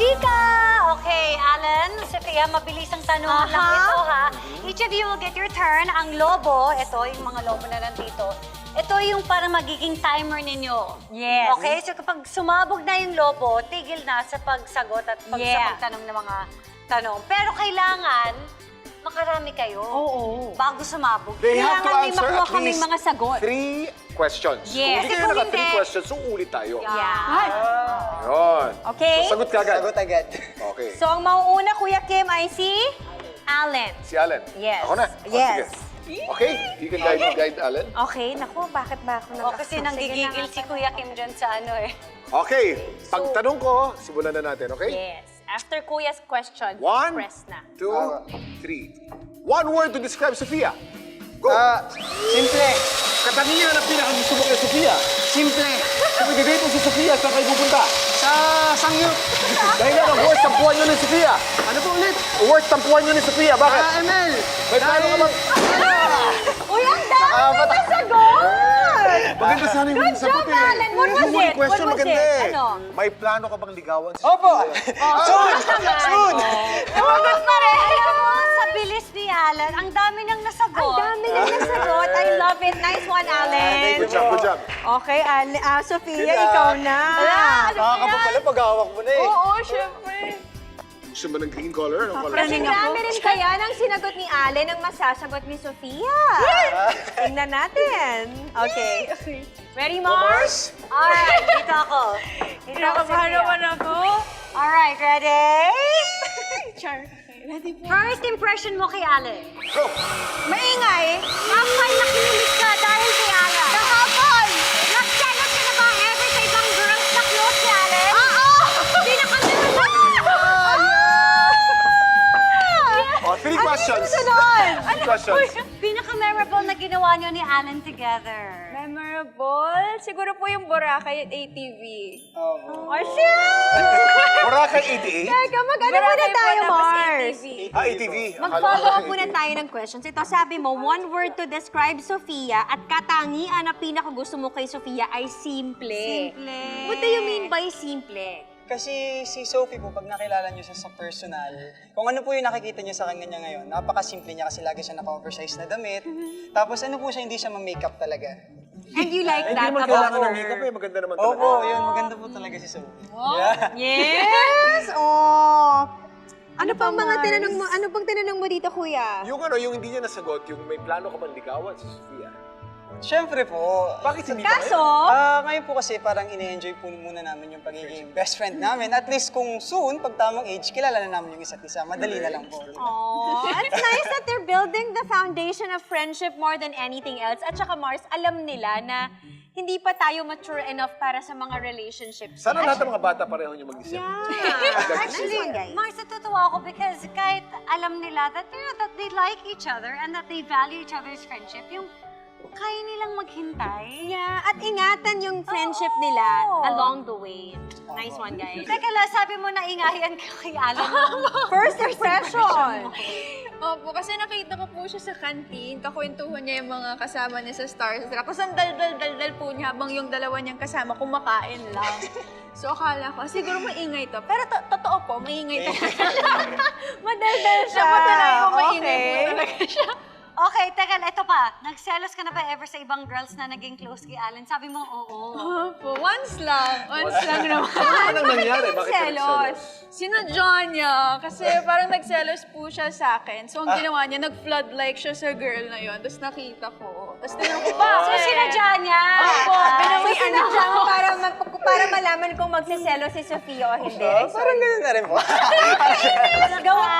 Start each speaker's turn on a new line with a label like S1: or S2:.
S1: Chika! Okay, Alan, Sofia, mabilis ang tanong lang ito, ha? Each of you will get your turn. Ang lobo, ito, yung mga lobo na nandito, ito yung parang magiging timer ninyo.
S2: Yes.
S1: Okay, so kapag sumabog na yung lobo, tigil na sa pagsagot at sa pagtanong ng mga tanong. Pero kailangan, makarami kayo. Bago sumabog.
S3: They have to
S2: Kailangan may
S3: answer
S2: makuha
S3: at
S2: kaming
S3: least
S2: mga sagot.
S3: 3 questions.
S2: Yes.
S3: Kung hindi kayo
S2: Kung
S3: naka 3
S2: hindi-
S3: questions, so ulit tayo.
S2: Yeah.
S3: Yun.
S2: Okay.
S3: So, sagot ka agad.
S4: Sagot agad.
S3: Okay.
S2: So, ang mauuna, Kuya Kim, ay si Allen.
S3: Si Allen.
S2: Yes.
S3: Ako na.
S2: Yes.
S3: Sige. Okay, you can guide Allen.
S2: Okay, naku, bakit ba ako
S1: O, kasi nanggigigil si Kuya Kim dyan sa ano eh.
S3: Okay, pagtanong ko, simulan na natin, okay?
S2: Yes. After Kuya's question,
S3: 1,
S2: press na.
S3: 2, 3. One word to describe Sofia. Go!
S4: Simple.
S3: Katangian na pinakagusto mo kay Sofia.
S4: Simple.
S3: Kung i-date mo si Sofia, saan kayo pupunta?
S4: Sa sangyup.
S3: Dahil nga, worst tampuan nyo ni Sofia. Ano po ulit? Worst tampuan nyo ni Sofia, bakit?
S4: ML.
S3: May plano ka bang...
S2: Uy, ang dami na sagot!
S3: Maganda sana yung
S2: Good job, Alan. What was
S3: Yung
S2: it?
S3: question
S2: What was
S3: maganda
S2: it?
S3: eh.
S2: Ano?
S3: May plano ka bang ligawan si
S4: Opo.
S3: Sofia?
S4: Soon. Soon.
S1: Naman pa rin. Alam mo, sa bilis ni Alan, ang dami nang nasagot.
S2: Ang dami na nasagot. I love it. Nice one, Allen.
S3: Good job, good job.
S2: Okay, Sofia, ikaw na.
S4: Nakakaba pala pag hawak mo na eh.
S2: Oo, syempre.
S3: Gusto mo ng green color? Anong color?
S2: Kasi marami rin kaya ng sinagot ni Allen ang masasagot ni Sofia. Tingnan natin. Okay. Ready, Mars?
S1: Alright, dito ako. Dito ako, Sofia.
S2: ako.
S1: Alright, ready?
S2: Char. Ready po.
S1: First impression mo kay Alan.
S3: Go!
S2: Maingay.
S1: Kapag nakinig ka dahil kay Alan.
S2: Kahapon.
S1: Nagselos ka na ba ever sa ibang girls na close si Alan?
S2: Oo!
S3: Oh, 3 questions.
S2: Sunod.
S3: 3 questions.
S1: Pinaka-memorable na ginawa niyo ni Alan together.
S5: Memorable? Siguro po yung Boracay at ATV.
S4: Oo.
S2: Oh, shit!
S3: Boracay 88?
S2: Teka, mag-ano muna
S5: Boracay po,
S2: tayo,
S5: tapos
S2: Mars?
S5: ATV.
S3: ATV.
S2: Mag-follow up muna tayo ng questions. Ito, sabi mo, one word to describe Sofia at katangian na pinakagusto mo kay Sofia ay simple.
S1: Simple.
S2: What do you mean by simple?
S4: Kasi si Sophie po, pag nakilala niyo siya sa personal, kung ano po yung nakikita niyo sa kanya ngayon, napakasimple niya kasi lagi siya naka-oversize na damit. Tapos ano po siya, hindi siya ma-makeup talaga.
S2: And you like
S3: Hindi
S2: that
S3: naman
S2: about
S3: kailangan ng
S2: her?
S3: makeup eh. Maganda naman talaga.
S4: Opo, yun, maganda po talaga si Sophie. Yeah.
S2: Yes! Oh! Ano pang mga
S1: Mars?
S2: tinanong mo? Ano pang tinanong mo dito, kuya?
S3: Yung yung hindi niya nasagot, yung may plano ka bang ligawan si Sofia.
S4: Siyempre po.
S3: Bakit hindi
S2: Kaso,
S4: Ngayon po kasi parang ine-enjoy po muna namin yung pagiging best friend namin. At least kung soon, pag tamang age, kilala na namin yung isa't isa. Madali na lang po.
S2: oh, it's nice that they're building the foundation of friendship more than anything else. At saka, Mars, alam nila na hindi pa tayo mature enough para sa mga relationships.
S3: Sana lahat ng mga bata pareho niyo mag-isip.
S1: Actually, Mars, natutuwa ako because kahit alam nila that, that they like each other and that they value each other's friendship, yung kaya nilang maghintay.
S2: Yeah, at ingatan yung friendship nila along the way. Nice one, guys.
S1: Teka lang, sabi mo na ingayan ka kay Alan.
S2: First impression.
S5: Opo, kasi nakita ko po siya sa canteen. Kakwentuhan niya yung mga kasama niya sa Stars. Tapos ang dal-dal po niya habang yung dalawa niyang kasama kumakain lang. So akala ko, siguro maingay to. Pero totoo po, maingay talaga.
S2: Madaldal siya.
S5: Napatunayan ko maingay po
S2: Okay.
S5: talaga siya.
S1: Okay, teka, ito pa. Nagselos ka na ba ever sa ibang girls na naging close kay Alan? Sabi mo, oo.
S5: Opo, once lang. Once lang naman.
S3: Anong nangyari? Bakit ka nagselos?
S5: Sinadya niya. Kasi parang nagselos po siya sa akin. So ang ginawa niya, nag-flood like siya sa girl na yon. Tapos nakita ko. Tapos tinanong ko,
S1: So,
S5: bakit?
S1: sinadya niya.
S5: Opo,
S2: So, sinadya mo para malaman kung magsiselo si Sofia o hindi.
S4: Parang gano'n na rin po.
S2: Go